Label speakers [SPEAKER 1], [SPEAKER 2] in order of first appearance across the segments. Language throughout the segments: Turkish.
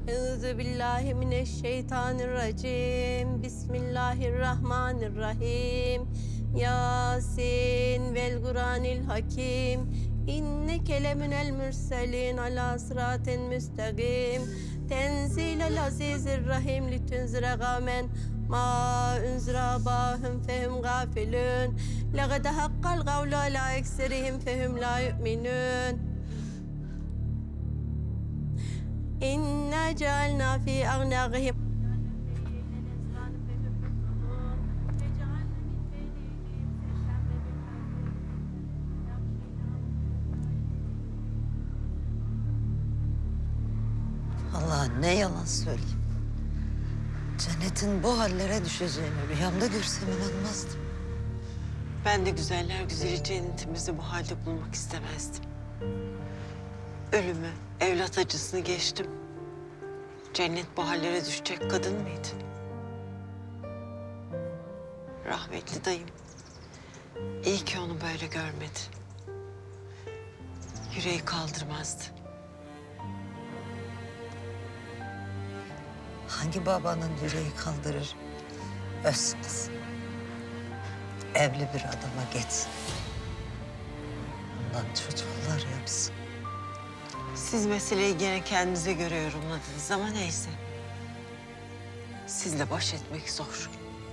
[SPEAKER 1] Euzubillahimineşşeytanirracim. Bismillahirrahmanirrahim. Yasin vel Kur'anil hakim. İnneke leminel mürselin ala sıratin müstakim. Tenzilel azizir rahim litunzire gamen ma unzira bahum fehum gafilun. Laqad haqqal gavlu ala ekserihim fehum la yu'minun. İnna cealna fi agnâgihim.
[SPEAKER 2] Allah ne yalan söyleyeyim. Cennetin bu hallere düşeceğini rüyamda görsem inanmazdım.
[SPEAKER 3] Ben de güzeller güzeli cennetimizi bu halde bulmak istemezdim. Ölümü, evlat acısını geçtim. Cennet bu hallere düşecek kadın mıydı? Rahmetli dayım. İyi ki onu böyle görmedi. Yüreği kaldırmazdı.
[SPEAKER 2] Hangi babanın yüreği kaldırır? Öz kız. Evli bir adama geçsin. Ondan çocuklar yapsın.
[SPEAKER 3] Siz meseleyi gene kendinize göre yorumladınız ama neyse. Sizle baş etmek zor.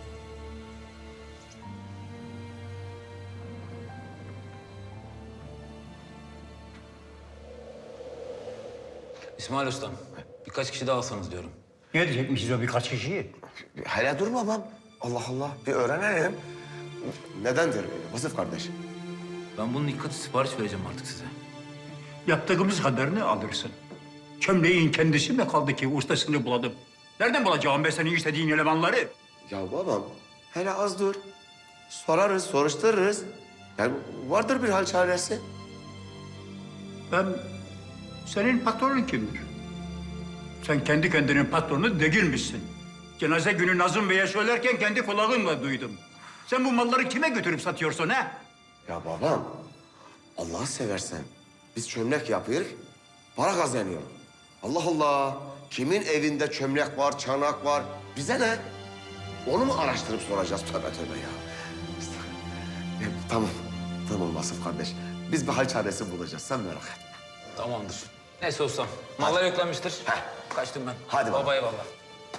[SPEAKER 4] İsmail Ustam, birkaç kişi daha alsanız diyorum.
[SPEAKER 5] Ne diyecekmişiz o birkaç kişiyi?
[SPEAKER 6] Hele dur babam. Allah Allah. Bir öğrenelim. Nedendir Vasıf kardeş?
[SPEAKER 4] Ben bunun iki katı sipariş vereceğim artık size.
[SPEAKER 5] Yaptığımız kadarını alırsın. Çömleğin kendisi mi kaldı ki ustasını bulalım? Nereden bulacağım ben senin istediğin elemanları?
[SPEAKER 6] Ya babam, hele az dur. Sorarız, soruştururuz. Yani vardır bir hal çaresi.
[SPEAKER 5] Ben senin patronun kimdir? Sen kendi kendinin patronu değilmişsin. Cenaze günü Nazım Bey'e söylerken kendi kulağımla duydum. Sen bu malları kime götürüp satıyorsun ha?
[SPEAKER 6] Ya babam, Allah'ı seversen biz çömlek yapıyoruz, para kazanıyor. Allah Allah, kimin evinde çömlek var, çanak var, bize ne? Onu mu araştırıp soracağız? Tövbe tövbe ya. Tamam, tamam Vasıf kardeş. Biz bir hal çaresi bulacağız, sen merak etme.
[SPEAKER 4] Tamamdır. Neyse ustam, mallar yüklenmiştir. Kaçtım ben.
[SPEAKER 6] Hadi baba.
[SPEAKER 4] Baba eyvallah.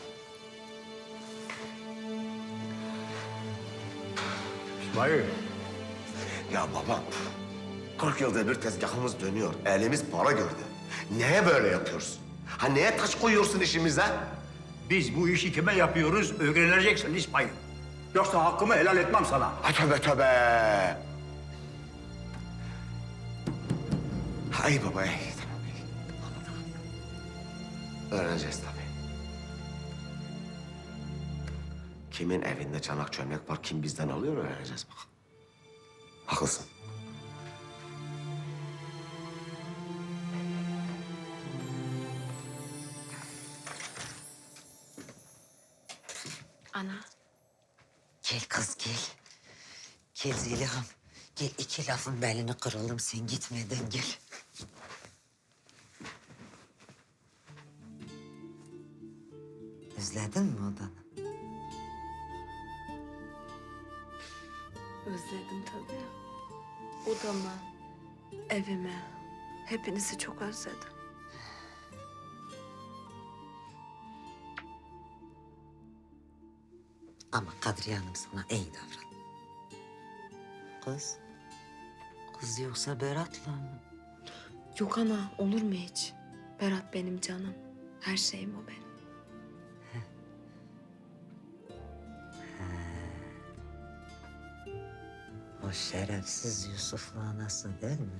[SPEAKER 5] İsmail.
[SPEAKER 6] Ya babam, 40 yılda bir tezgahımız dönüyor, elimiz para gördü. Neye böyle yapıyorsun? Ha neye taş koyuyorsun işimize?
[SPEAKER 5] Biz bu işi kime yapıyoruz öğreneceksin İsmail. Yoksa hakkımı helal etmem sana.
[SPEAKER 6] Ay tövbe tövbe. Ay baba, ay, tamam. Anladım. Öğreneceğiz tabii. Kimin evinde çanak çömlek var, kim bizden alıyor öğreneceğiz bak. Haklısın.
[SPEAKER 1] Ana.
[SPEAKER 2] Gel kız gel. Gel Zeliha'm. Gel iki lafın belini kıralım sen gitmeden gel. Özledin mi odanı?
[SPEAKER 7] Özledim tabii. Odamı, evimi, hepinizi çok özledim.
[SPEAKER 2] Ama Kadriye Hanım sana iyi davran. Kız. Kız yoksa Berat'la mı?
[SPEAKER 7] Yok ana, olur mu hiç? Berat benim canım. Her şeyim o benim.
[SPEAKER 2] O şerefsiz Yusuf'la anası değil mi?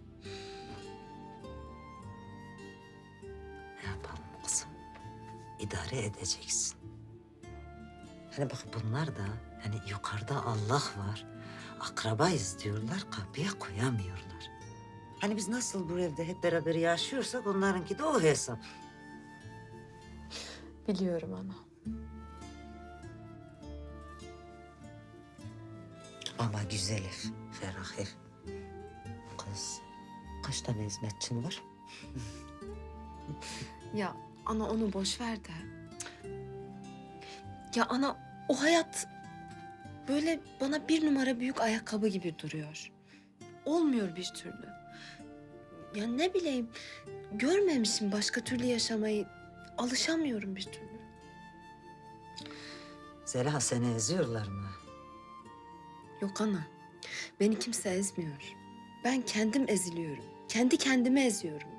[SPEAKER 2] Ne yapalım kızım? İdare edeceksin. Hani bak bunlar da hani yukarıda Allah var. Akrabayız diyorlar, kapıya koyamıyorlar. Hani biz nasıl bu evde hep beraber yaşıyorsak onlarınki de o hesap.
[SPEAKER 7] Biliyorum ana.
[SPEAKER 2] Ama güzel ev, ferah ev. Kız, kaç tane hizmetçin var?
[SPEAKER 7] Ya Ana onu boş ver de. Ya ana o hayat böyle bana 1 numara büyük ayakkabı gibi duruyor. Olmuyor bir türlü. Ya ne bileyim görmemişim başka türlü yaşamayı. Alışamıyorum bir türlü.
[SPEAKER 2] Zeliha seni eziyorlar mı?
[SPEAKER 7] Yok ana. Beni kimse ezmiyor. Ben kendim eziliyorum. Kendi kendime eziyorum.